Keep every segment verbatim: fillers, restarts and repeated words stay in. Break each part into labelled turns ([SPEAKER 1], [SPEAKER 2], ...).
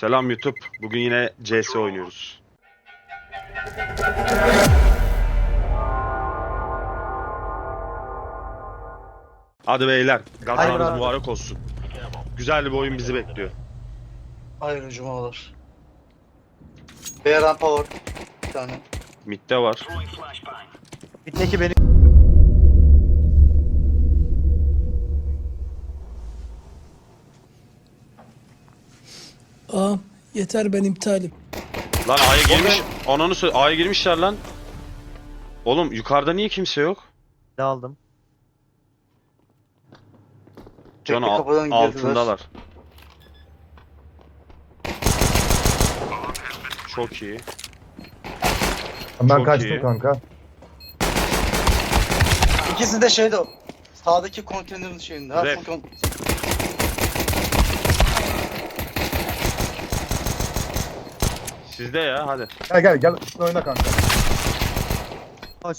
[SPEAKER 1] Selam YouTube. Bugün yine C S oynuyoruz. Hadi beyler, gazanız mübarek olsun. Güzel bir oyun bizi bekliyor.
[SPEAKER 2] Hayırlı cumalar. B rampa var. Bir tane.
[SPEAKER 1] Mid'de var.
[SPEAKER 3] Bir teki beni...
[SPEAKER 4] Aa, yeter ben iptalim.
[SPEAKER 1] Lan A'ya girmiş. Ananı söyle. A'ya girmişler lan. Oğlum yukarıda niye kimse yok?
[SPEAKER 3] aldım.
[SPEAKER 1] Can
[SPEAKER 2] Tekli
[SPEAKER 1] al-
[SPEAKER 2] kapıdan girdiler.
[SPEAKER 1] altındalar. Çok iyi.
[SPEAKER 5] Ben
[SPEAKER 1] Çok
[SPEAKER 5] kaçtım
[SPEAKER 1] iyi.
[SPEAKER 5] kanka.
[SPEAKER 2] İkisi de şeyde o. Sağdaki konteynerin şeyinde. Ha,
[SPEAKER 1] Ref.
[SPEAKER 2] full kon-
[SPEAKER 1] Sizde ya hadi.
[SPEAKER 5] Gel gel gel üstüne oyna kanka.
[SPEAKER 3] Hoş.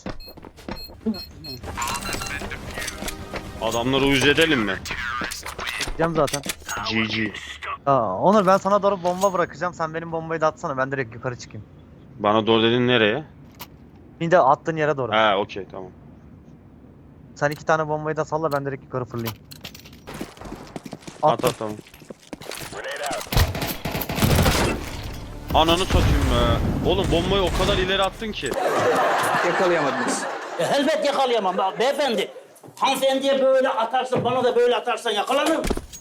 [SPEAKER 1] Adamları uyuz edelim mi?
[SPEAKER 3] Gideceğim zaten.
[SPEAKER 1] G G.
[SPEAKER 3] Aa, Onur ben sana doğru bomba bırakacağım. Sen benim bombayı da atsana. Ben direkt yukarı çıkayım.
[SPEAKER 1] Bana doğru dedin nereye?
[SPEAKER 3] Bir de attığın yere doğru.
[SPEAKER 1] Ha okey tamam.
[SPEAKER 3] Sen iki tane bombayı da salla, ben direkt yukarı fırlayayım.
[SPEAKER 1] At
[SPEAKER 3] Attım.
[SPEAKER 1] at tamam. Ananı satayım be. Oğlum bombayı o kadar ileri attın ki.
[SPEAKER 6] E, elbet yakalayamam be- beyefendi. Hanımefendiye böyle atarsın, bana da böyle atarsan yakalanırım.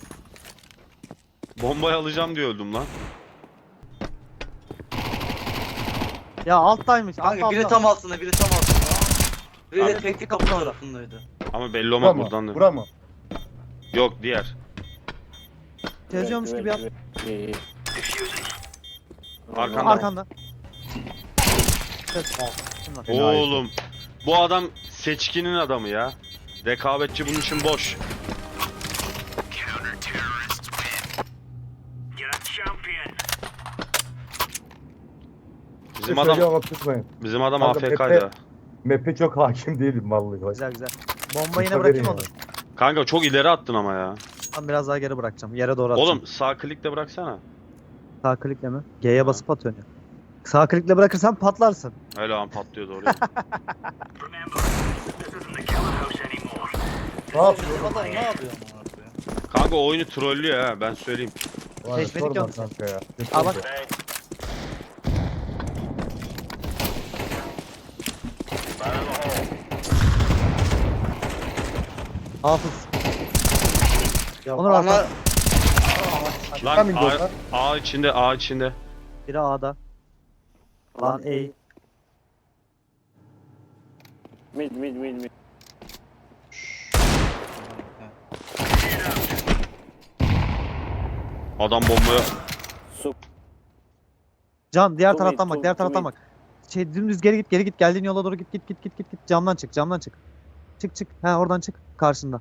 [SPEAKER 1] Bombayı alacağım diye öldüm lan.
[SPEAKER 3] Ya alttaymış. Alt,
[SPEAKER 2] Kanka biri
[SPEAKER 3] altta.
[SPEAKER 2] tam altında, biri tam altında. Biri de
[SPEAKER 1] Abi.
[SPEAKER 2] tekli kapı tarafındaydı.
[SPEAKER 1] Ama belli
[SPEAKER 5] Bura
[SPEAKER 1] olmaz
[SPEAKER 5] mı?
[SPEAKER 1] buradan da.
[SPEAKER 5] Bura mı?
[SPEAKER 1] Yok diğer.
[SPEAKER 3] Geziyormuş gibi yap.
[SPEAKER 1] Arkanda.
[SPEAKER 3] Arkanda. Evet. Şunlar.
[SPEAKER 1] Oğlum. Bu adam seçkinin adamı ya. Rekabetçi bunun için boş. Bizim adam
[SPEAKER 5] Söylüyorum ama tutmayın.
[SPEAKER 1] bizim adam
[SPEAKER 5] Kanka,
[SPEAKER 1] A F K'ydı.
[SPEAKER 5] Map'e çok hakim değilim vallahi.
[SPEAKER 3] Güzel güzel. Bombayı yine
[SPEAKER 5] Haberin
[SPEAKER 3] bırakayım
[SPEAKER 5] yani.
[SPEAKER 3] Onur.
[SPEAKER 1] Kanka çok ileri attın ama ya.
[SPEAKER 3] Ben biraz daha geri bırakacağım. Yere doğru atacağım.
[SPEAKER 1] Oğlum sağ klikle bıraksana.
[SPEAKER 3] Sağ klikle mi? G'ye basıp atıyorsun ya. Sağ klikle bırakırsan patlarsın.
[SPEAKER 1] Öyle an patlıyordu oraya.
[SPEAKER 5] Ne yapıyor?
[SPEAKER 2] Adam ne yapıyor amına koyayım?
[SPEAKER 1] Kanka o oyunu trollüyor ha ben söyleyeyim.
[SPEAKER 5] Var ya,
[SPEAKER 3] Seçmedik
[SPEAKER 5] sorma
[SPEAKER 3] yalnız.
[SPEAKER 5] kanka ya.
[SPEAKER 3] Al bak. Hafız.
[SPEAKER 2] Ya
[SPEAKER 3] Onur
[SPEAKER 2] ana...
[SPEAKER 3] arka.
[SPEAKER 1] Lan
[SPEAKER 5] Tam indi
[SPEAKER 1] A,
[SPEAKER 5] orada.
[SPEAKER 1] A içinde A içinde.
[SPEAKER 3] Biri A'da. Lan A.
[SPEAKER 6] Mid, mid, mid, mid.
[SPEAKER 1] Adam bombaya.
[SPEAKER 3] Can diğer
[SPEAKER 6] Two
[SPEAKER 3] taraftan
[SPEAKER 6] mid,
[SPEAKER 3] bak,
[SPEAKER 6] two-
[SPEAKER 3] diğer
[SPEAKER 6] two
[SPEAKER 3] taraftan
[SPEAKER 6] mid.
[SPEAKER 3] bak. Şey dümdüz geri git, geri git. Geldiğin yola doğru git, git, git, git, git, git. Camdan çık, camdan çık. Çık, çık. He oradan çık. Karşında.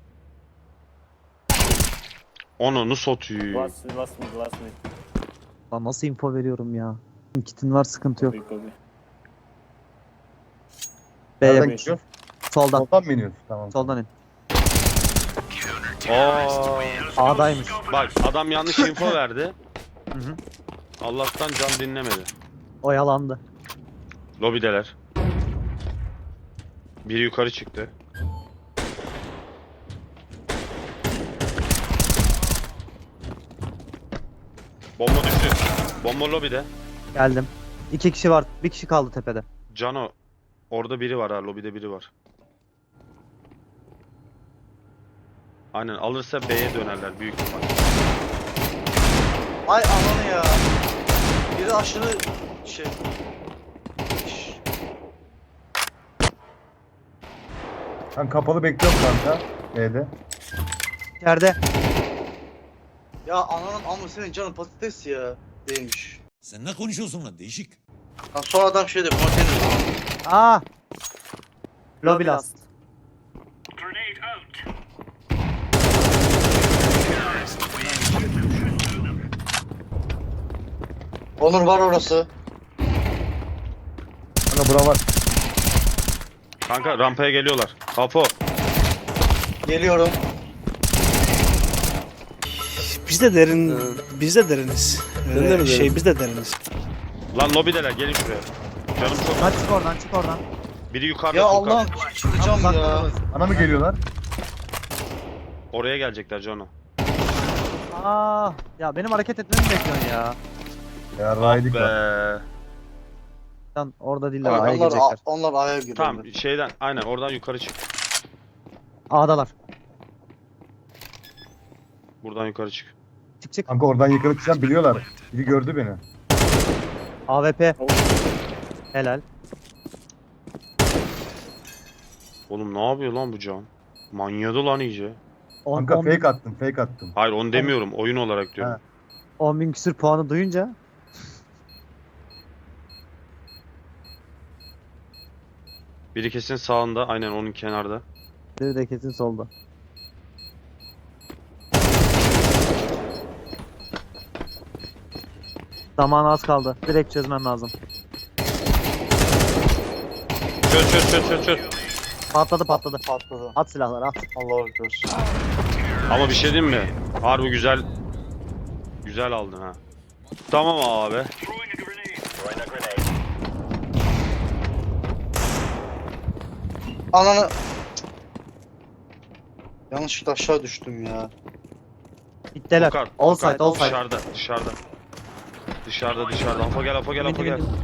[SPEAKER 1] Onu satıyor.
[SPEAKER 6] Last, last mid, last mid.
[SPEAKER 3] Lan nasıl info veriyorum ya. Kitin var, sıkıntı yok.
[SPEAKER 6] Copy, copy.
[SPEAKER 3] B'ye
[SPEAKER 5] Nereden
[SPEAKER 3] bak.
[SPEAKER 5] gidiyor?
[SPEAKER 3] Soldan.
[SPEAKER 5] Soldan mı iniyorsun? Tamam.
[SPEAKER 3] Soldan in.
[SPEAKER 1] Aa,
[SPEAKER 3] A'daymış.
[SPEAKER 1] bak adam yanlış info verdi.
[SPEAKER 3] Hı hı.
[SPEAKER 1] Allah'tan can dinlemedi.
[SPEAKER 3] Oyalandı.
[SPEAKER 1] Lobideler. Biri yukarı çıktı. Bomba düştü. Bomba lobide.
[SPEAKER 3] Geldim. İki kişi var. Bir kişi kaldı tepede.
[SPEAKER 1] Cano. Orada biri var ha. Lobide biri var. Aynen alırsa B'ye dönerler büyük ihtimal.
[SPEAKER 2] Ay ananı ya. Biri aşırı şey... Şşş.
[SPEAKER 5] Ben kapalı bekliyorum kanka. B'de.
[SPEAKER 3] İçeride.
[SPEAKER 2] Ya ananın amı senin canın patates ya. Değilmiş.
[SPEAKER 7] Sen ne konuşuyorsun lan değişik.
[SPEAKER 2] Lan son adam şeyde konteyner.
[SPEAKER 3] Aa. Lobby last.
[SPEAKER 2] Onur var orası.
[SPEAKER 5] Kanka bura var.
[SPEAKER 1] Kanka rampaya geliyorlar. Apo.
[SPEAKER 2] Geliyorum.
[SPEAKER 8] Biz de derin, biz de deriniz. Öyle şey biz de deriniz.
[SPEAKER 1] Lan lobideler gelin şuraya. Canım çok.
[SPEAKER 3] Lan çık oradan çık oradan.
[SPEAKER 1] Biri yukarıda.
[SPEAKER 2] Ya
[SPEAKER 1] Furkan.
[SPEAKER 2] Allah'ım çıkacağım
[SPEAKER 3] Uzak
[SPEAKER 2] ya.
[SPEAKER 3] orası.
[SPEAKER 5] Bana mı geliyorlar?
[SPEAKER 1] Oraya gelecekler Cano.
[SPEAKER 3] Aa, ya benim hareket etmemi bekliyorsun ya.
[SPEAKER 5] Ya
[SPEAKER 1] Ah
[SPEAKER 5] raydik
[SPEAKER 1] be.
[SPEAKER 5] var.
[SPEAKER 3] Lan orada değiller,
[SPEAKER 2] Onlar,
[SPEAKER 3] A'ya
[SPEAKER 2] onlar,
[SPEAKER 3] girecekler.
[SPEAKER 2] onlar A'ya giriyor.
[SPEAKER 1] Tamam şeyden aynen oradan yukarı çık.
[SPEAKER 3] A'dalar.
[SPEAKER 1] Buradan yukarı çık.
[SPEAKER 3] Çık çık.
[SPEAKER 5] Kanka oradan yukarı çıkacağım biliyorlar. Biri gördü beni.
[SPEAKER 3] A W P. Helal.
[SPEAKER 1] Oğlum ne yapıyor lan bu Can? Manyadı lan iyice.
[SPEAKER 3] on,
[SPEAKER 5] Kanka
[SPEAKER 3] on,
[SPEAKER 5] fake attım fake attım.
[SPEAKER 1] Hayır onu demiyorum. Oyun olarak diyorum.
[SPEAKER 5] Ha.
[SPEAKER 3] on bin küsür puanı duyunca
[SPEAKER 1] Biri kesin sağında. Aynen onun kenarda.
[SPEAKER 3] biri de kesin solda. Zaman az kaldı. Direkt çözmem lazım.
[SPEAKER 1] Çöz çöz çöz çöz çöz.
[SPEAKER 3] Patladı patladı.
[SPEAKER 2] Patladı.
[SPEAKER 3] At silahları at.
[SPEAKER 2] Allah'a ekber.
[SPEAKER 1] Ama bir şey diyeyim mi? Harbi güzel. Güzel aldın ha. Tamam abi.
[SPEAKER 2] Ananı... Yanlışlıkla aşağı düştüm ya.
[SPEAKER 3] İtteler.
[SPEAKER 1] Furkan,
[SPEAKER 3] All
[SPEAKER 1] Furkan,
[SPEAKER 3] side all side.
[SPEAKER 1] Dışarıda dışarıda. Dışarıda dışarıda. Afa gel afa gel afa
[SPEAKER 3] Bindi,
[SPEAKER 1] gel.
[SPEAKER 3] bindi.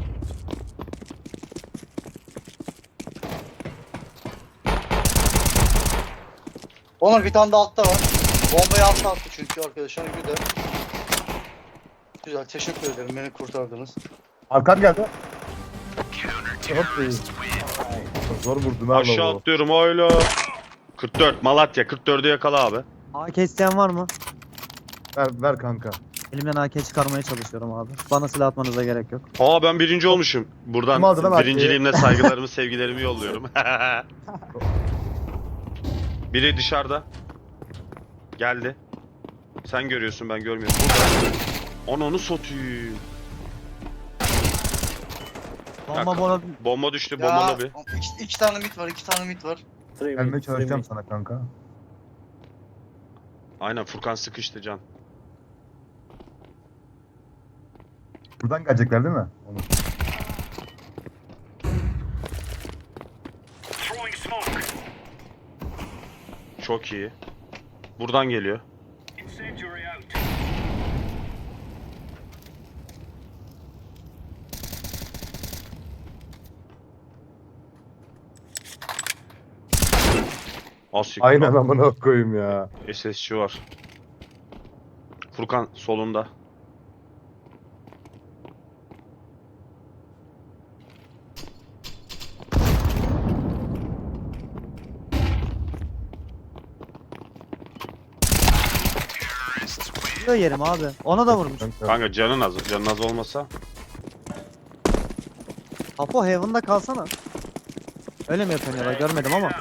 [SPEAKER 2] Onur bir tane de altta var. Bombayı altta attı çünkü arkadaşlar. Güzel. Güzel, teşekkür ederim. Beni kurtardınız.
[SPEAKER 5] Arkam geldi. Çok iyi. Zor vurdum ha
[SPEAKER 1] Aşağı
[SPEAKER 5] lavuğu.
[SPEAKER 1] atlıyorum öyle. kırk dört Malatya kırk dördü yakala abi.
[SPEAKER 3] A K isteyen var mı?
[SPEAKER 5] Ver, ver kanka.
[SPEAKER 3] Elimden A K çıkarmaya çalışıyorum abi. Bana silah atmanıza gerek yok.
[SPEAKER 1] Aa ben birinci olmuşum.
[SPEAKER 5] Kim
[SPEAKER 1] Buradan
[SPEAKER 5] aldı lan
[SPEAKER 1] birinciliğimle saygılarımı sevgilerimi yolluyorum. Biri dışarıda. Geldi. Sen görüyorsun ben görmüyorum. Burada. Onu onu satayım.
[SPEAKER 3] Bomba bomba.
[SPEAKER 1] Bomba düştü
[SPEAKER 2] Ya,
[SPEAKER 1] bomba lobi.
[SPEAKER 2] iki, iki tane mit var, iki tane mit var.
[SPEAKER 5] Gelmeye çalışacağım sana kanka.
[SPEAKER 1] Aynen Furkan sıkıştı Can.
[SPEAKER 5] Buradan gelecekler değil mi? Onu.
[SPEAKER 1] Çok iyi. Buradan geliyor. Asik.
[SPEAKER 5] Aynen amına koyayım ya.
[SPEAKER 1] S S C var. Furkan solunda.
[SPEAKER 3] Biliyor yerim abi. Ona da vurmuş.
[SPEAKER 5] Kanka.
[SPEAKER 1] Kanka canın az. Canın az olmasa.
[SPEAKER 3] Apo Heaven'da kalsana. Öyle mi yapıyorsun ya da görmedim ama.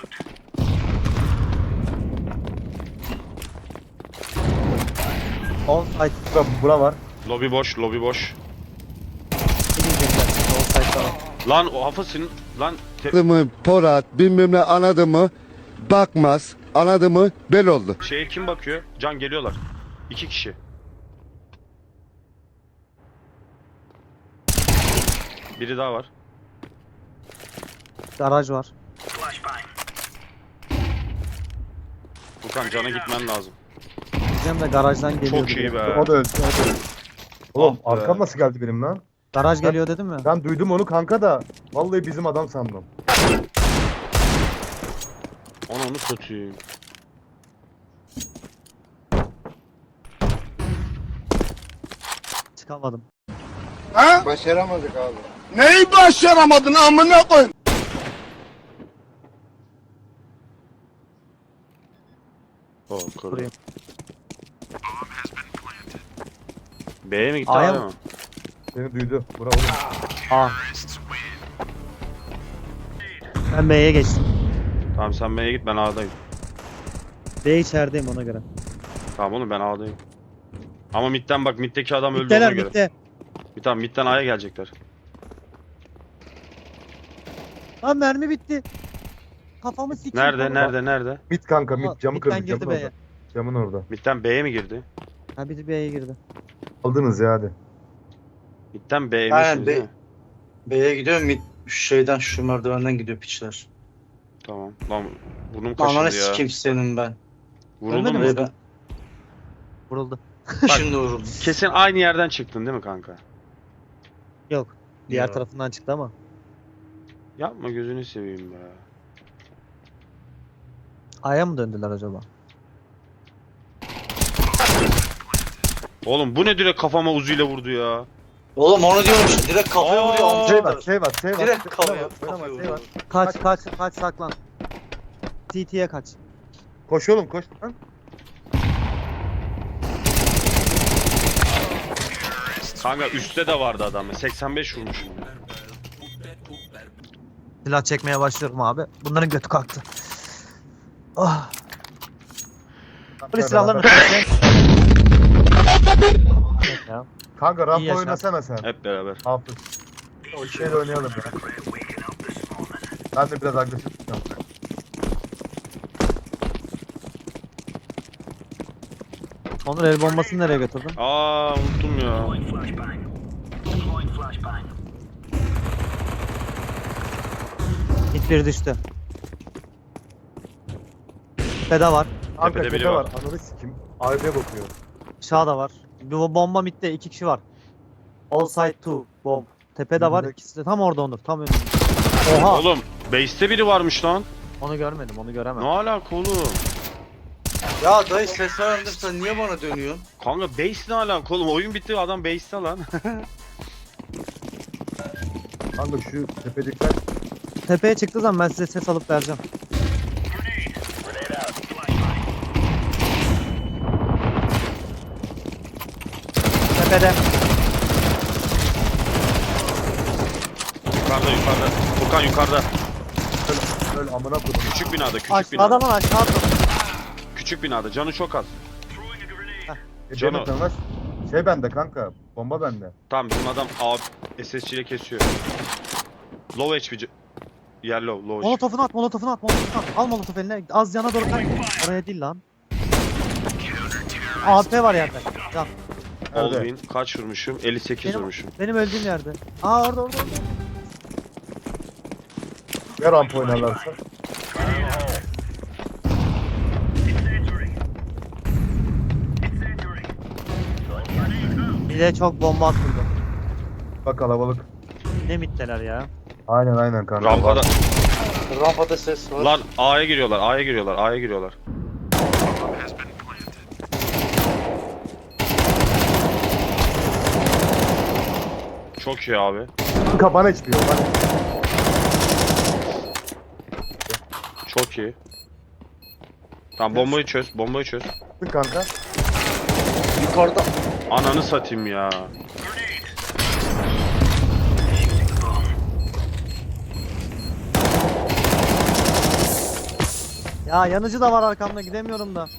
[SPEAKER 3] Offside
[SPEAKER 5] Bura, bura var.
[SPEAKER 1] Lobi boş, lobi boş.
[SPEAKER 3] gidecekler. Offside'da var.
[SPEAKER 1] Lan o hafasın lan te-
[SPEAKER 9] Anladı mı Porat bilmem ne anladı mı bakmaz anladı mı bel oldu.
[SPEAKER 1] şeye kim bakıyor? Can geliyorlar. İki kişi. Biri daha var.
[SPEAKER 3] Garaj var.
[SPEAKER 1] Furkan Can'a gitmen lazım.
[SPEAKER 3] Bizim de garajdan geliyor.
[SPEAKER 1] Çok iyi be.
[SPEAKER 5] O da öldü. O da öldü. Oğlum
[SPEAKER 1] Ah be.
[SPEAKER 5] arkam nasıl geldi benim lan?
[SPEAKER 3] Garaj geliyor dedim mi?
[SPEAKER 5] Ben duydum onu kanka da. Vallahi bizim adam sandım.
[SPEAKER 1] Onu onu satayım.
[SPEAKER 3] Çıkamadım.
[SPEAKER 9] Başaramadık abi. Neyi başaramadın amına koy?
[SPEAKER 1] Oh, kırdı.
[SPEAKER 3] Buraya.
[SPEAKER 1] B'ye mi gitti
[SPEAKER 3] A'ya
[SPEAKER 1] A'ya
[SPEAKER 3] mı?
[SPEAKER 1] mı?
[SPEAKER 5] Beni duydu. Bura oğlum.
[SPEAKER 3] A. Ben B'ye geçtim.
[SPEAKER 1] Tamam sen B'ye git ben A'dayım.
[SPEAKER 3] B içerideyim ona göre.
[SPEAKER 1] Tamam oğlum ben A'dayım. Ama midden bak middeki adam öldü
[SPEAKER 3] Bitteler
[SPEAKER 1] ona göre.
[SPEAKER 3] bitti.
[SPEAKER 1] Bir tamam midden A'ya gelecekler.
[SPEAKER 3] Lan mermi bitti. Kafamı sikeyim.
[SPEAKER 1] Nerede nerede nerede?
[SPEAKER 5] Mit kanka
[SPEAKER 3] Ama
[SPEAKER 5] mit camı
[SPEAKER 3] midden
[SPEAKER 5] kırdı.
[SPEAKER 3] girdi
[SPEAKER 5] Camın
[SPEAKER 3] B'ye.
[SPEAKER 5] orada. Camın orada.
[SPEAKER 1] Midden B'ye mi girdi?
[SPEAKER 3] Ha bir de B'ye girdi.
[SPEAKER 5] Aldınız ya hadi.
[SPEAKER 1] Midden B'ymişsiniz
[SPEAKER 2] Aynen,
[SPEAKER 1] değil
[SPEAKER 2] B-
[SPEAKER 1] mi?
[SPEAKER 2] B'ye gidiyorum. Mid- Şu şeyden şu merdivenden gidiyor piçler.
[SPEAKER 1] Tamam. Lan burnum
[SPEAKER 2] Ananı
[SPEAKER 1] kaşındı ya.
[SPEAKER 2] sikeyim senin ben.
[SPEAKER 1] Vuruldun
[SPEAKER 3] Ölmedi
[SPEAKER 1] mu?
[SPEAKER 3] mi?
[SPEAKER 2] Ve ben
[SPEAKER 3] Vuruldu.
[SPEAKER 2] şimdi vuruldum.
[SPEAKER 1] Kesin aynı yerden çıktın değil mi kanka?
[SPEAKER 3] Yok. Diğer
[SPEAKER 2] Yok.
[SPEAKER 3] tarafından çıktı ama.
[SPEAKER 1] Yapma gözünü seveyim be.
[SPEAKER 3] A'ya mı döndüler acaba?
[SPEAKER 1] Oğlum bu ne direkt kafama uzuyla vurdu ya.
[SPEAKER 2] Oğlum onu diyorum işte. Direkt kafaya
[SPEAKER 1] Aa,
[SPEAKER 2] vuruyor.
[SPEAKER 5] Şey
[SPEAKER 2] amcayı
[SPEAKER 5] var,
[SPEAKER 2] da.
[SPEAKER 5] şey var, şey var.
[SPEAKER 2] Direkt
[SPEAKER 5] Şey-
[SPEAKER 2] kafaya,
[SPEAKER 5] oynama,
[SPEAKER 2] kafaya
[SPEAKER 5] oynama, şey
[SPEAKER 2] vuruyor.
[SPEAKER 5] var.
[SPEAKER 3] Kaç kaç kaç saklan. C T'ye kaç.
[SPEAKER 5] Koş oğlum koş lan.
[SPEAKER 1] Kanka üstte de vardı adam. seksen beş vurmuşum.
[SPEAKER 3] Silah çekmeye başlıyorum abi. Bunların götü kalktı. Ah. Polis silahlarını ya.
[SPEAKER 5] Kanka
[SPEAKER 3] İyi
[SPEAKER 5] rampa
[SPEAKER 3] yaşa.
[SPEAKER 5] oynasana sen.
[SPEAKER 1] Hep beraber.
[SPEAKER 5] Hafız. O şeyle oynayalım ya. Ben de biraz agresif tutacağım.
[SPEAKER 3] Onur el bombasını nereye götürdün?
[SPEAKER 1] Aa unuttum ya.
[SPEAKER 3] Hit bir düştü. Beda var.
[SPEAKER 5] Kanka
[SPEAKER 1] Tepede biri
[SPEAKER 5] tepe
[SPEAKER 1] var.
[SPEAKER 5] var. Ananı sikim. A B'ye bakıyor.
[SPEAKER 3] Aşağıda var. Bir bomba midde iki kişi var. All side two bomb. Tepede var,
[SPEAKER 5] Direkt-
[SPEAKER 3] ikisi de tam orada Onur. Tam önünde. Oha!
[SPEAKER 1] Oğlum base'te biri varmış lan.
[SPEAKER 3] Onu görmedim, onu göremem.
[SPEAKER 1] Ne alaka oğlum?
[SPEAKER 2] Ya dayı ses vermedim, sen niye bana dönüyorsun?
[SPEAKER 1] Kanka base ne alaka oğlum? Oyun bitti adam base'te lan.
[SPEAKER 5] Kanka şu tepedekiler
[SPEAKER 3] Tepeye çıktığı zaman ben size ses alıp vereceğim. Tepede.
[SPEAKER 1] Yukarıda yukarıda. Furkan yukarıda.
[SPEAKER 5] böyle amına koydum.
[SPEAKER 1] Küçük binada küçük
[SPEAKER 3] Aşağıda
[SPEAKER 1] binada.
[SPEAKER 3] lan aşağıda.
[SPEAKER 1] Küçük binada. Canı çok az.
[SPEAKER 5] E,
[SPEAKER 1] Cano.
[SPEAKER 5] benim canlar- Şey bende kanka. Bomba bende.
[SPEAKER 1] Tamam bizim adam A S S C ile kesiyor. Low H P. c- Yer low, low H P.
[SPEAKER 3] Molotofunu at, molotofunu at, molotofunu at. Al molotof eline. Az yana doğru kay. Oraya değil lan. A P var yerde. Can.
[SPEAKER 5] Nerede?
[SPEAKER 1] Olvin kaç vurmuşum? elli sekiz
[SPEAKER 3] Benim-
[SPEAKER 1] vurmuşum.
[SPEAKER 3] Benim öldüğüm yerde. Aa orada orada orada.
[SPEAKER 5] Ya rampa oynarlarsa.
[SPEAKER 3] Bir de çok bomba atıldı.
[SPEAKER 5] Bak kalabalık.
[SPEAKER 3] Ne mitteler ya.
[SPEAKER 5] Aynen aynen kanka.
[SPEAKER 1] Rampada.
[SPEAKER 2] Rampada ses var.
[SPEAKER 1] Lan A'ya giriyorlar, A'ya giriyorlar, A'ya giriyorlar. Çok iyi abi.
[SPEAKER 5] Kanka bana hiçbir yok. Bana...
[SPEAKER 1] Çok iyi. Tamam bombayı çöz, bombayı çöz.
[SPEAKER 5] Çık kanka.
[SPEAKER 2] Yukarıda.
[SPEAKER 1] Ananı satayım ya.
[SPEAKER 3] Ya yanıcı da var arkamda gidemiyorum da.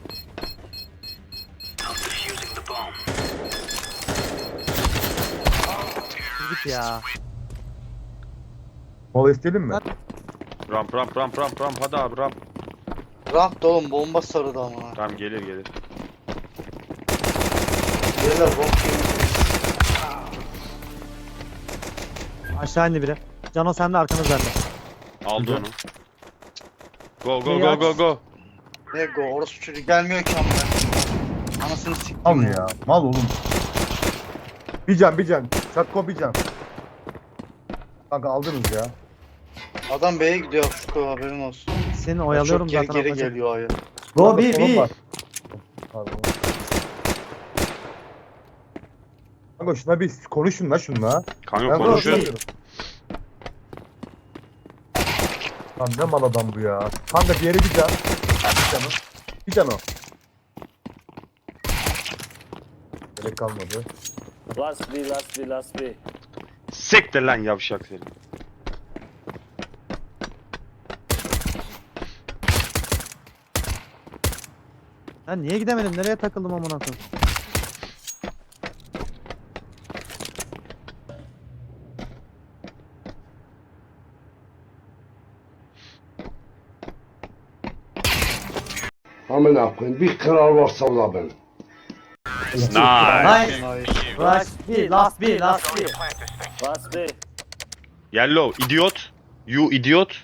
[SPEAKER 3] Git ya.
[SPEAKER 5] Mola isteyelim mi?
[SPEAKER 1] Ramp ramp ramp ramp ramp hadi abi ramp.
[SPEAKER 2] Ramp da oğlum bomba sarıdı ama.
[SPEAKER 1] Tamam gelir gelir.
[SPEAKER 2] Beyler bomba.
[SPEAKER 3] Aşağı indi biri. Cano sen de arkanız bende.
[SPEAKER 1] Aldı
[SPEAKER 5] Güzel.
[SPEAKER 1] onu. Go go
[SPEAKER 3] Şeyi
[SPEAKER 1] go
[SPEAKER 3] aç.
[SPEAKER 1] go go.
[SPEAKER 2] Ne go, orası çocuk gelmiyor ki ama. Anasını siktim
[SPEAKER 5] Mal mı ya? Mal oğlum. Bir can bir can. Çatko bir can. Kanka aldınız ya.
[SPEAKER 2] Adam B'ye gidiyor şu haberin olsun.
[SPEAKER 3] Seni oyalıyorum
[SPEAKER 2] Çok geri
[SPEAKER 3] zaten.
[SPEAKER 2] geri
[SPEAKER 3] atacak.
[SPEAKER 2] geliyor A'ya.
[SPEAKER 3] Go
[SPEAKER 5] Orada
[SPEAKER 3] B
[SPEAKER 5] sorun
[SPEAKER 3] B.
[SPEAKER 5] var. Pardon. Kanka şuna bir konuşun la şunla.
[SPEAKER 1] Kanka
[SPEAKER 5] Ben
[SPEAKER 1] konuşuyoruz.
[SPEAKER 5] konuşuyorum. Lan ne mal adam bu ya. Kanka diğeri bir can. Bir can o. Bir can o. Gerek kalmadı.
[SPEAKER 6] Last B, last B, last B.
[SPEAKER 1] Siktir lan yavşak seni.
[SPEAKER 3] Ben niye gidemedim? Nereye takıldım amına koyayım?
[SPEAKER 9] Amına koyayım bir kral varsa o da ben.
[SPEAKER 1] Nice.
[SPEAKER 3] Nice. Rush bir, last bir, last bir.
[SPEAKER 6] Bas be.
[SPEAKER 1] Yellow, idiot. You idiot.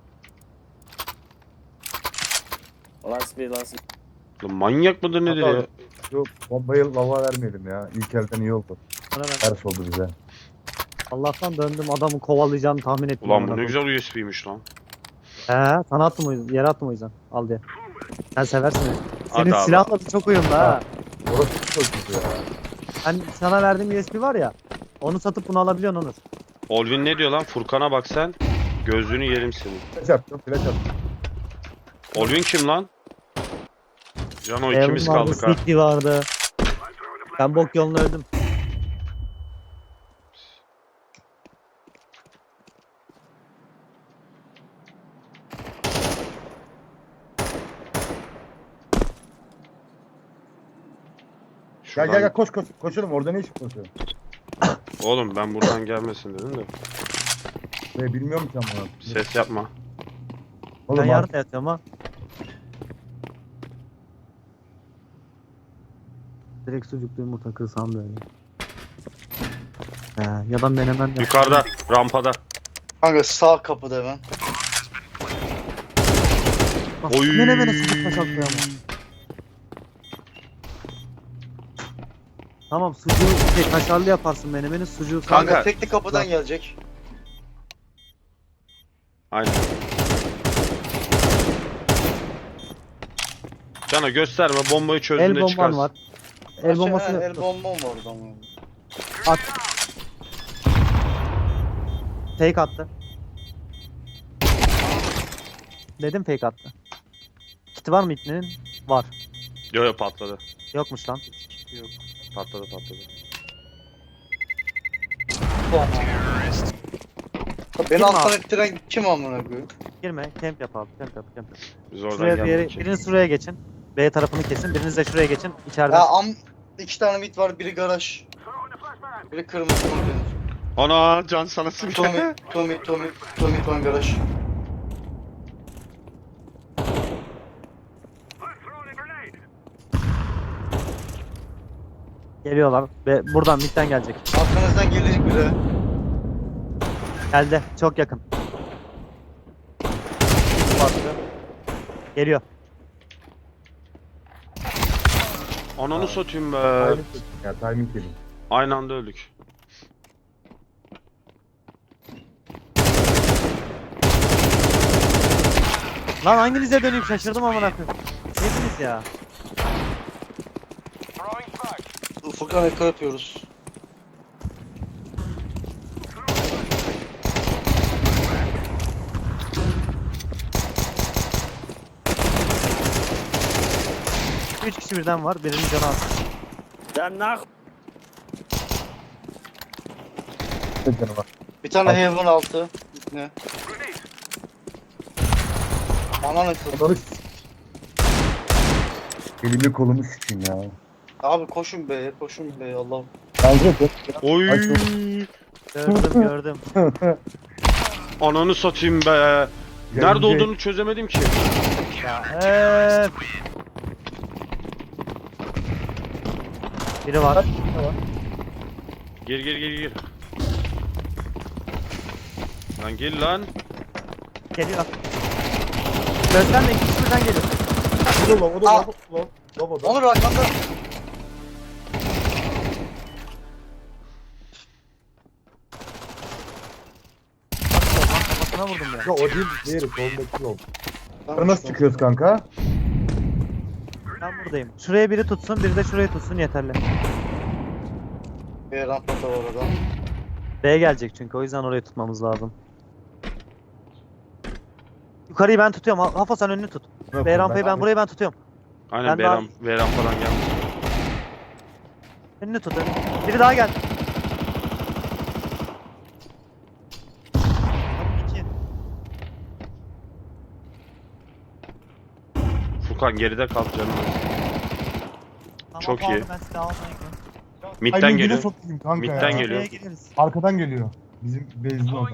[SPEAKER 6] Last bir last bir.
[SPEAKER 1] Lan manyak mıdır nedir ya?
[SPEAKER 5] Yok bombayı lava vermeyelim ya. İlk elden iyi oldu.
[SPEAKER 3] Bana ver.
[SPEAKER 5] Ters oldu bize.
[SPEAKER 3] Allah'tan döndüm adamı kovalayacağını tahmin ettim.
[SPEAKER 1] Ulan
[SPEAKER 3] amına
[SPEAKER 1] bu ne
[SPEAKER 3] koyayım.
[SPEAKER 1] güzel U S B'ymiş lan.
[SPEAKER 3] He, sana attım o yüzden. Yere attım o yüzden. Al diye. Sen seversin. öyle. Senin
[SPEAKER 1] Hadi abi.
[SPEAKER 3] silahla da çok uyumlu ha.
[SPEAKER 5] Orası çok kötü ya.
[SPEAKER 3] Ben sana verdiğim U S B var ya. Onu satıp bunu alabiliyorsun Onur.
[SPEAKER 1] Olvin ne diyor lan? Furkan'a bak sen. Gözlüğünü yerim senin.
[SPEAKER 5] Flash attım, flash attım.
[SPEAKER 1] Olvin kim lan? Cano
[SPEAKER 3] Evan
[SPEAKER 1] ikimiz
[SPEAKER 3] vardı,
[SPEAKER 1] kaldık ha.
[SPEAKER 3] Sneaky vardı. Ben bok yolunu öldüm.
[SPEAKER 5] Gel
[SPEAKER 1] Şuradan-
[SPEAKER 5] gel gel koş koş. Koşalım orada ne iş koşuyor?
[SPEAKER 1] Oğlum ben buradan gelmesin dedim de.
[SPEAKER 5] Ee, bilmiyorum ki ama.
[SPEAKER 1] Ses yapma.
[SPEAKER 3] Ben
[SPEAKER 5] Oğlum
[SPEAKER 3] yarın da yatıyorum ha. Direkt sucuklu yumurta kırsam böyle. He, ya da menemen de.
[SPEAKER 1] Yukarıda, rampada.
[SPEAKER 2] Kanka sağ kapıda hemen.
[SPEAKER 3] Bak,
[SPEAKER 1] Oy.
[SPEAKER 3] menemene sucuk paşaklıyor ama. Tamam sucuğu şey, kaşarlı yaparsın menemeni sucuğu.
[SPEAKER 1] Kanka.
[SPEAKER 2] Kanka tekli kapıdan gelecek.
[SPEAKER 1] Aynen. Cano gösterme, bombayı
[SPEAKER 3] El
[SPEAKER 1] çözdüğünde
[SPEAKER 3] bomban
[SPEAKER 1] çıkarsın.
[SPEAKER 3] var. El
[SPEAKER 2] Aşağı-
[SPEAKER 3] bombası
[SPEAKER 2] El
[SPEAKER 3] yok.
[SPEAKER 2] bombam var orada.
[SPEAKER 3] At. Fake attı. Dedim fake attı. Kiti var mı ipnenin? Var.
[SPEAKER 1] Yo yo patladı.
[SPEAKER 3] Yokmuş lan.
[SPEAKER 1] Yok. Patladı patladı.
[SPEAKER 2] Beni
[SPEAKER 3] Kim
[SPEAKER 2] alttan
[SPEAKER 3] abi?
[SPEAKER 2] ettiren kim amına koyayım?
[SPEAKER 3] Girme. Camp yap abi. Camp yap. Camp yap.
[SPEAKER 1] Biz oradan
[SPEAKER 3] Şuraya bir yere,
[SPEAKER 1] geldik ki.
[SPEAKER 3] biriniz şuraya geçin. B tarafını kesin. Biriniz de şuraya geçin. İçeride.
[SPEAKER 2] Ya am iki tane mid var, biri garaj. Biri kırmızı konteyner.
[SPEAKER 1] Ana can sana sıkıyor.
[SPEAKER 2] Tommy, Tommy, Tommy, Tommy, Tommy garaj.
[SPEAKER 3] Geliyorlar. Ve buradan midden gelecek.
[SPEAKER 2] Arkanızdan gelecek biri.
[SPEAKER 3] Geldi. Çok yakın. Geliyor.
[SPEAKER 1] Ananı satayım be.
[SPEAKER 5] Timing yedim ya timing yedim.
[SPEAKER 1] Aynı anda öldük.
[SPEAKER 3] Lan hanginize döneyim şaşırdım amına koyayım. Hepiniz ya.
[SPEAKER 2] Furkan eko yapıyoruz.
[SPEAKER 3] Üç kişi birden var. Birinin canı az.
[SPEAKER 6] Sen nak.
[SPEAKER 5] Ne canı var?
[SPEAKER 2] Bir tane heaven altı. Ne? Ananı kız.
[SPEAKER 5] Onları s- Elimi kolumu sıçayım ya.
[SPEAKER 2] Abi koşun be, koşun be Allah'ım.
[SPEAKER 5] Bence de.
[SPEAKER 1] Oy.
[SPEAKER 5] Ay, çok-
[SPEAKER 3] Gördüm gördüm.
[SPEAKER 1] Ananı satayım be. Nerede olduğunu çözemedim ki.
[SPEAKER 3] Eee. Biri var.
[SPEAKER 1] Gir gir gir gir. Lan gel lan.
[SPEAKER 3] Geliyor. Gözden de iki kişi birden geliyor.
[SPEAKER 5] O da o da
[SPEAKER 2] Aa.
[SPEAKER 5] o da o da.
[SPEAKER 2] Onur arkanda.
[SPEAKER 3] Kafasına vurdum ya.
[SPEAKER 5] Ya o değil diğeri soldaki yol.
[SPEAKER 2] Tamam,
[SPEAKER 5] Nasıl
[SPEAKER 2] tamam.
[SPEAKER 5] çıkıyoruz kanka?
[SPEAKER 3] Ben buradayım. Şuraya biri tutsun, biri de şurayı tutsun yeterli.
[SPEAKER 2] Bir rampata var orada.
[SPEAKER 3] B gelecek çünkü o yüzden orayı tutmamız lazım. Yukarıyı ben tutuyorum. Ha- Hafa sen önünü tut. B rampayı ben burayı ben tutuyorum.
[SPEAKER 1] Aynen
[SPEAKER 3] Ben daha-
[SPEAKER 1] Veram, Veram falan gelmiş.
[SPEAKER 3] Önünü tut. Önünü. Biri daha geldi. İki.
[SPEAKER 1] Furkan geride kal canım.
[SPEAKER 3] Tamam,
[SPEAKER 1] Çok
[SPEAKER 3] aldım,
[SPEAKER 1] iyi.
[SPEAKER 3] Ben size almayı gidiyorum.
[SPEAKER 1] Midden
[SPEAKER 5] Timing'ine
[SPEAKER 1] geliyor.
[SPEAKER 5] sokayım kanka
[SPEAKER 1] Midden
[SPEAKER 5] ya.
[SPEAKER 1] geliyor.
[SPEAKER 3] Buraya gireriz.
[SPEAKER 5] Arkadan geliyor. Bizim base'in orada.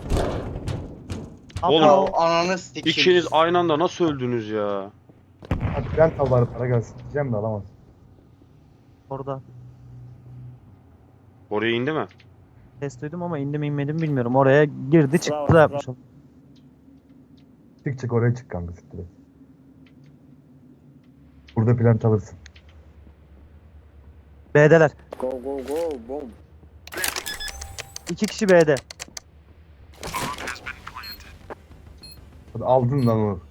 [SPEAKER 1] Oğlum.
[SPEAKER 3] Hafa,
[SPEAKER 2] Ya ananı sikeyim.
[SPEAKER 1] İkiniz aynı anda nasıl öldünüz ya?
[SPEAKER 5] Hadi ben tavarı para gelsin diyeceğim de alamaz.
[SPEAKER 3] Orada.
[SPEAKER 1] Oraya indi mi?
[SPEAKER 3] Ses duydum ama indim inmedim bilmiyorum. Oraya girdi çıktı
[SPEAKER 6] Bravo,
[SPEAKER 3] da yapmış. o.
[SPEAKER 5] Çık çık oraya çık kanka siktir et. Burada plant alırsın.
[SPEAKER 3] B'deler.
[SPEAKER 6] Go go go boom.
[SPEAKER 3] İki kişi B'de.
[SPEAKER 5] Hadi aldın lan onu.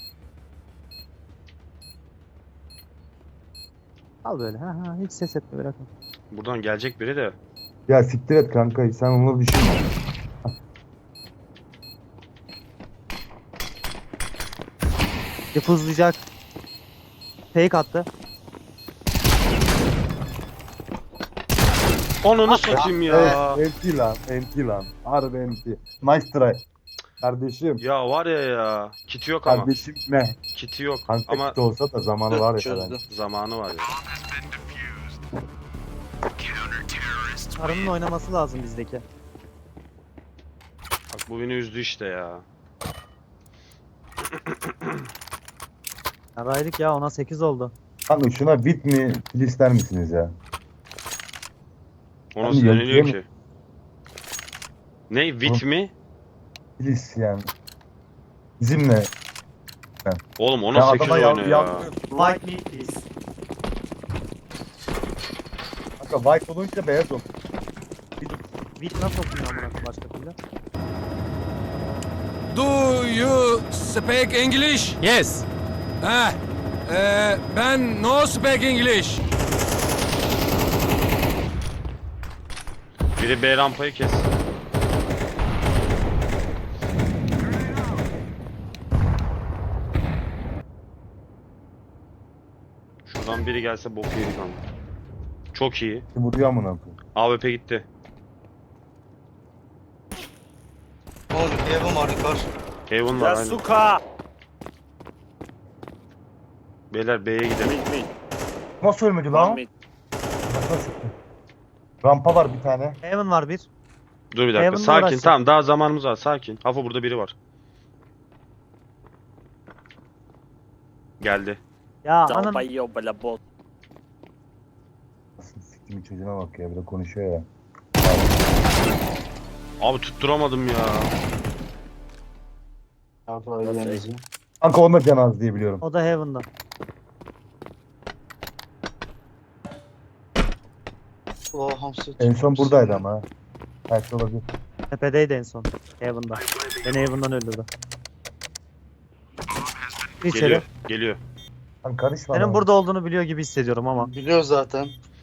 [SPEAKER 3] Al böyle. Ha ha hiç ses etme bırakma.
[SPEAKER 1] Buradan gelecek biri de.
[SPEAKER 5] Ya siktir et kanka sen onu düşünme.
[SPEAKER 3] Defuzlayacak. Fake attı.
[SPEAKER 1] Ananı satayım ya.
[SPEAKER 5] Evet, enti lan, enti lan. Harbi enti. Nice try. Kardeşim,
[SPEAKER 1] Ya var ya ya. Kiti yok ama.
[SPEAKER 5] kardeşim ne?
[SPEAKER 1] Kiti yok.
[SPEAKER 5] Kanka
[SPEAKER 1] Ama
[SPEAKER 5] kit olsa da zamanı var ya.
[SPEAKER 2] Çözdü.
[SPEAKER 5] falan.
[SPEAKER 1] zamanı var ya.
[SPEAKER 3] Karının oynaması lazım bizdeki.
[SPEAKER 1] Bak bu beni üzdü işte ya.
[SPEAKER 3] Yaraydık ya ona sekiz oldu.
[SPEAKER 5] Kanka şuna bit mi kill ister misiniz ya?
[SPEAKER 1] O
[SPEAKER 5] Abi
[SPEAKER 1] nasıl
[SPEAKER 5] yok,
[SPEAKER 1] deniliyor
[SPEAKER 5] değil mi?
[SPEAKER 1] ki? Ne? Wit mi?
[SPEAKER 5] Kilis yani. Bizimle.
[SPEAKER 1] Oğlum
[SPEAKER 5] Ya
[SPEAKER 1] ona sekiz
[SPEAKER 5] adama
[SPEAKER 1] oynuyor
[SPEAKER 5] ya-
[SPEAKER 1] ya.
[SPEAKER 3] Fight me please.
[SPEAKER 5] Kanka white olunca beyaz olur.
[SPEAKER 3] Beat nasıl okunuyor amına koyayım başka türlü?
[SPEAKER 10] Do you speak English?
[SPEAKER 4] Yes.
[SPEAKER 10] Ha, e, ben no speak English.
[SPEAKER 1] Biri B rampayı kes. Şuradan biri gelse bok yedik ama. Çok iyi.
[SPEAKER 5] Vuruyor amına koyayım.
[SPEAKER 1] A W P gitti.
[SPEAKER 2] Oğlum bir evim var yukarı.
[SPEAKER 1] Heaven var aynen.
[SPEAKER 6] Yasuka.
[SPEAKER 1] Beyler B'ye gidelim.
[SPEAKER 6] Mid mid.
[SPEAKER 5] Nasıl ölmedi
[SPEAKER 6] One
[SPEAKER 5] lan?
[SPEAKER 6] mid.
[SPEAKER 5] Nasıl? Rampa var bir tane.
[SPEAKER 3] Heaven var bir.
[SPEAKER 1] Dur bir dakika.
[SPEAKER 3] Heaven'la
[SPEAKER 1] Sakin.
[SPEAKER 3] uğraşacak.
[SPEAKER 1] Tamam daha zamanımız var. Sakin. Hafo burada biri var. Geldi.
[SPEAKER 3] Ya anam.
[SPEAKER 6] Dalbayo bala bot.
[SPEAKER 5] Nasıl siktimin çocuğuna bak ya bir de konuşuyor ya.
[SPEAKER 1] Abi tutturamadım ya.
[SPEAKER 2] Yardım edeceğim.
[SPEAKER 5] Kanka onda can az diye biliyorum.
[SPEAKER 3] O da Heaven'da.
[SPEAKER 2] O hamsi.
[SPEAKER 5] En son buradaydı ama ha. Belki olabilir.
[SPEAKER 3] Tepedeydi en son. Heaven'da. Beni Heaven'dan öldürdü. Bir içeri.
[SPEAKER 1] Geliyor. Geliyor.
[SPEAKER 5] Kanka karışma.
[SPEAKER 3] Senin
[SPEAKER 5] lan.
[SPEAKER 3] burada olduğunu biliyor gibi hissediyorum ama.
[SPEAKER 2] Biliyor zaten.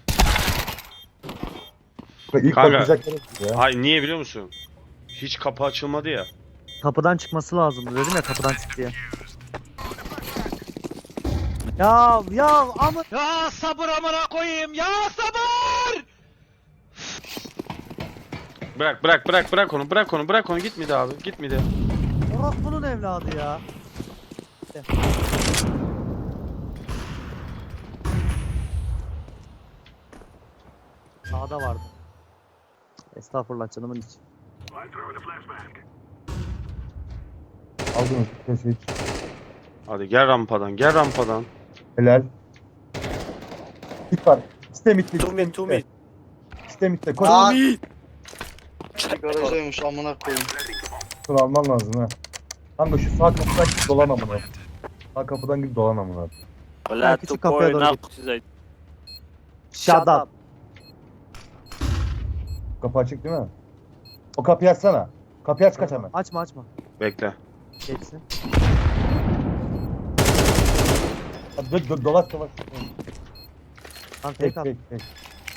[SPEAKER 5] İlk
[SPEAKER 1] Kanka.
[SPEAKER 5] bakacak yere ya.
[SPEAKER 1] Hayır niye biliyor musun? Hiç kapı açılmadı ya.
[SPEAKER 3] Kapıdan çıkması lazım. Dedim ya kapıdan çık diye. Ya ya ama
[SPEAKER 4] Ya sabır amına koyayım ya sabır.
[SPEAKER 1] Bırak bırak bırak bırak onu bırak onu bırak onu gitmedi abi gitmedi.
[SPEAKER 3] orospunun evladı ya. Sağda vardı. Estağfurullah canımın içi.
[SPEAKER 5] Aldın kesin.
[SPEAKER 1] Hadi gel rampadan gel rampadan.
[SPEAKER 5] Helal. Git var. İstemitte.
[SPEAKER 8] Two mid, two mid.
[SPEAKER 5] İstemitte. Koş.
[SPEAKER 2] Aa. Garajdaymış amına koyayım.
[SPEAKER 5] Şunu alman lazım ha. Kanka şu sağ kapıdan git dolan amına. Sağ kapıdan git dolan amına.
[SPEAKER 6] Valla
[SPEAKER 3] küçük kapıya doğru
[SPEAKER 6] tupoy
[SPEAKER 3] git.
[SPEAKER 6] size.
[SPEAKER 3] Shut up.
[SPEAKER 5] Kapı açık değil mi? O kapıyı açsana. Kapıyı aç kaç hemen.
[SPEAKER 3] Açma açma.
[SPEAKER 1] Bekle.
[SPEAKER 3] Geçsin.
[SPEAKER 5] Hadi dö dö dolaş dolaş.
[SPEAKER 3] Lan
[SPEAKER 5] Tek
[SPEAKER 3] tek at.
[SPEAKER 5] tek tek.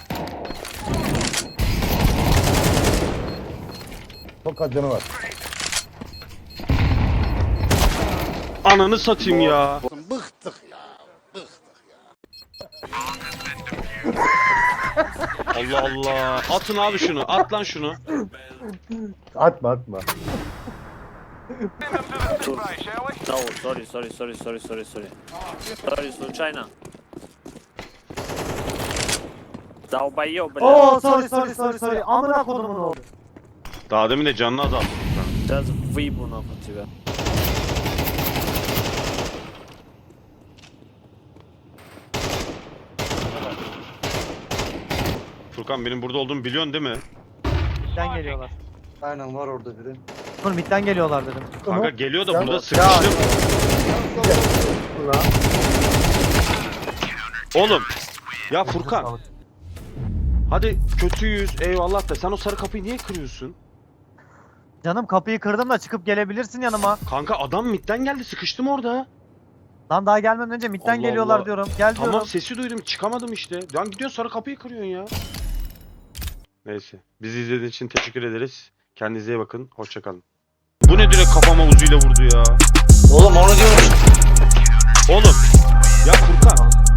[SPEAKER 5] Çok az canı var.
[SPEAKER 1] Ananı satayım ya.
[SPEAKER 9] Bıktık ya.
[SPEAKER 1] Allah Allah. Atın abi şunu. At lan şunu.
[SPEAKER 5] Atma atma.
[SPEAKER 6] No, sorry, sorry, sorry, sorry, sorry, sorry. Sorry, случайно. Долбоёб, бля.
[SPEAKER 3] Oo sorry sorry sorry sorry. Amına kodumun oğlu.
[SPEAKER 1] Daha demin de canını azalttım.
[SPEAKER 6] Сейчас выебу нахуй тебя.
[SPEAKER 1] Furkan benim burada olduğumu biliyorsun değil mi?
[SPEAKER 3] Midden geliyorlar.
[SPEAKER 2] Aynen var orada biri.
[SPEAKER 3] Dur midden geliyorlar dedim.
[SPEAKER 1] Kanka geliyor da
[SPEAKER 5] Ya-
[SPEAKER 1] burada
[SPEAKER 5] Ya-
[SPEAKER 1] sıkıştım.
[SPEAKER 5] Ulan.
[SPEAKER 1] Oğlum. Ya Furkan. Hadi kötüyüz eyvallah da sen o sarı kapıyı niye kırıyorsun?
[SPEAKER 3] Canım kapıyı kırdım da çıkıp gelebilirsin yanıma.
[SPEAKER 1] Kanka adam midden geldi sıkıştım orada.
[SPEAKER 3] Lan daha gelmeden önce midden
[SPEAKER 1] Allah
[SPEAKER 3] geliyorlar
[SPEAKER 1] Allah.
[SPEAKER 3] diyorum. Gel diyorum.
[SPEAKER 1] Tamam sesi duydum çıkamadım işte. Lan gidiyorsun sarı kapıyı kırıyorsun ya. Neyse. Bizi izlediğiniz için teşekkür ederiz. Kendinize iyi bakın. Hoşça kalın. Bu ne direkt kafama uzuyla vurdu ya.
[SPEAKER 2] Oğlum onu diyorum.
[SPEAKER 1] Oğlum. Ya Furkan.